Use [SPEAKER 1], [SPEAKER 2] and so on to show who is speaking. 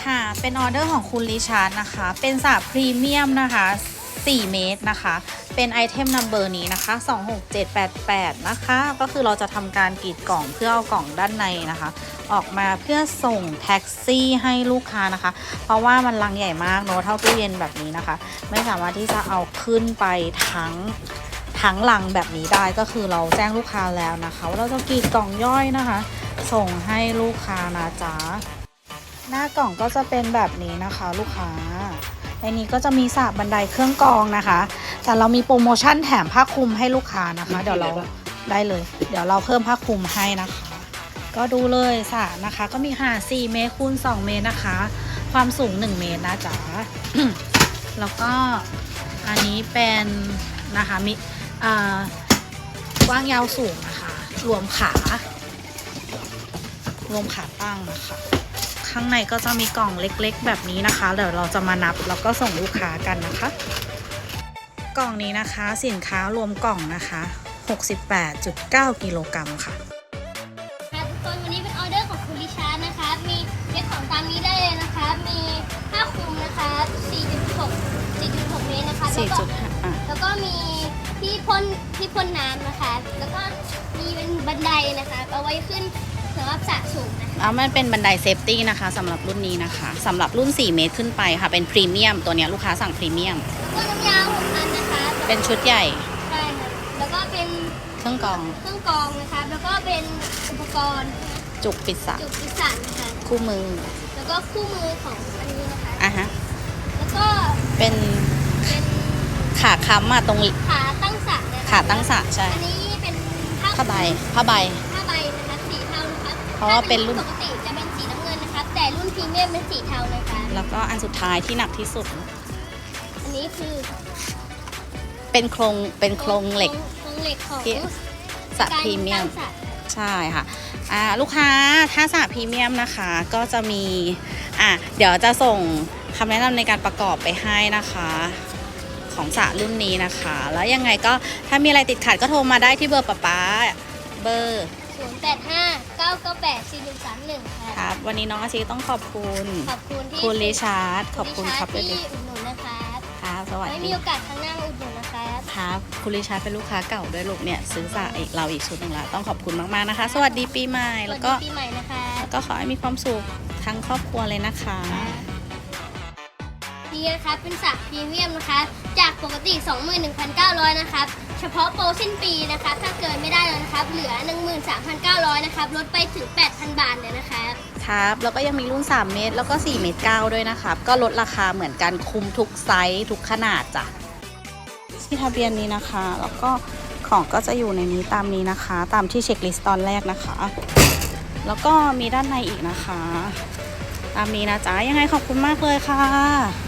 [SPEAKER 1] ค่ะเป็นออเดอร์ของคุณริชาร์ดนะคะเป็นสระพรีเมียมนะคะ4 เมตรนะคะเป็นไอเทมนัมเบอร์นี้นะคะ26788นะคะก็คือเราจะทำการกรีดกล่องเพื่อเอากล่องด้านในนะคะออกมาเพื่อส่งแท็กซี่ให้ลูกค้านะคะเพราะว่ามันลังใหญ่มากเนอะเท่าตู้เย็นแบบนี้นะคะไม่สามารถที่จะเอาขึ้นไปทั้งลังแบบนี้ได้ก็คือเราแจ้งลูกค้าแล้วนะคะว่าเราจะกรีดกล่องย่อยนะคะส่งให้ลูกค้านะจ๊ะหน้ากล่องก็จะเป็นแบบนี้นะคะลูกค้าในนี้ก็จะมีสระบันไดเครื่องกรองนะคะแต่เรามีโปรโมชั่นแถมผ้าคลุมให้ลูกค้านะคะเดี๋ยวเราได้เลยเดี๋ยวเราเพิ่มผ้าคลุมให้นะคะก็ดูเลยสระนะคะก็มีขนาด4 เมตรคูณ 2 เมตรนะคะความสูง1 เมตรนะจ๊ะ แล้วก็อันนี้เป็นนะคะมีกว้างยาวสูงนะคะรวมขาตั้งนะคะข้างในก็จะมีกล่องเล็กๆแบบนี้นะคะเดี๋ยวเราจะมานับแล้วก็ส่งลูกค้ากันนะคะกล่องนี้นะคะสินค้ารวมกล่องนะคะ 68.9 กิโลกรัมค่ะ
[SPEAKER 2] ทุกคนวันนี้เป็นออเดอร์ของคุณริชาร์ดนะคะมีเช็คของตามนี้ได้เลยนะคะมีผ้าคลุมนะคะ4.6 เมตรนะคะแล้วก็มีที่พ่นน้ำนะคะแล้วก็มีเป็นบันไดนะคะเอาไว้ขึ้นสำหรับสระสูงนะคะ
[SPEAKER 1] มันเป็นบันไดเซฟตี้นะคะสำหรับรุ่นนี้นะคะสำหรับรุ่น4 เมตรขึ้นไปค่ะเป็นพรีเมียมตัวนี้ลูกค้าสั่งพรีเมียม
[SPEAKER 2] ก็น้ำยาว6 อันนะคะ
[SPEAKER 1] เป็นชุดใหญ่
[SPEAKER 2] ใช่ค่ะแล้วก็เป็น
[SPEAKER 1] เครื่องกรอง
[SPEAKER 2] นะคะแล้วก็เป็นอุปกรณ์
[SPEAKER 1] จุกปิดสระ
[SPEAKER 2] นะคะ
[SPEAKER 1] คู่มือ
[SPEAKER 2] แล้วก็คู่มือของอันนี้นะคะ
[SPEAKER 1] ฮะ
[SPEAKER 2] แล้วก็
[SPEAKER 1] เป็นขาค้ำตรง
[SPEAKER 2] ขาตั้งสระนะคะ
[SPEAKER 1] ขาตั้งสระใช่
[SPEAKER 2] อันนี้เป็น
[SPEAKER 1] ผ้าใบ
[SPEAKER 2] นะคะสีเทานะคะ
[SPEAKER 1] เพราะว่าเป็นรุ่น
[SPEAKER 2] ปกติจะเป็นสีน้ำเงินนะคะแต่รุ่นพรีเมียมเป็นสีเทานะคะ
[SPEAKER 1] แล้วก็อันสุดท้ายที่หนักที่สุด
[SPEAKER 2] อันนี้คือ
[SPEAKER 1] เป็นโครงเหล็ก
[SPEAKER 2] ของ
[SPEAKER 1] สระพรีเมียมใช่ค่ะลูกค้าถ้าสระพรีเมียมนะคะก็จะมีเดี๋ยวจะส่งคำแนะนำในการประกอบไปให้นะคะของสระรุ่นนี้นะคะแล้วยังไงก็ถ้ามีอะไรติดขัดก็โทรมาได้ที่เบอร์ป๊าเบอร์
[SPEAKER 2] 0859984131
[SPEAKER 1] ครับวันนี้น้องอาชีต้องขอบคุณ
[SPEAKER 2] ที่
[SPEAKER 1] คุณริชาร์ดขอบคุณครับ
[SPEAKER 2] ที่อุดหนุนนะคะ
[SPEAKER 1] ครับสวัสดี
[SPEAKER 2] ไม่มีโอกาสครั้งหน้าอุดหนุนนะคะ
[SPEAKER 1] ครับคุณริชาร์ดเป็นลูกค้าเก่าด้วยลูกเนี่ยซื้อสระเราอีกชุดหนึ่งละต้องขอบคุณมากๆนะคะสวัสดีปีใหม่แล้วก็
[SPEAKER 2] ปีใหม่นะคะ
[SPEAKER 1] แล้วก็ขอให้มีความสุขทั้งครอบครัวเลยนะคะ
[SPEAKER 2] นี่นะคะเป็นสระพรีเมียมนะคะจากปกติ 21,900 นะครับเฉพาะโปรสิ้นปีนะคะถ้าเกินไม่ได้แล้วนะครับเหลือ 13,900 นะครับลดไปถึง 8,000 บาทเลยนะคะ
[SPEAKER 1] ครับแล้วก็ยังมีรุ่น3 เมตรแล้วก็4 เมตร 9ด้วยนะครับก็ลดราคาเหมือนกันคุมทุกไซส์ทุกขนาดจ้ะที่ทะเบียนนี้นะคะแล้วก็ของก็จะอยู่ในนี้ตามนี้นะคะตามที่เช็คลิสต์ตอนแรกนะคะแล้วก็มีด้านในอีกนะคะตามนี้นะจ๊ะยังไงขอบคุณมากเลยค่ะ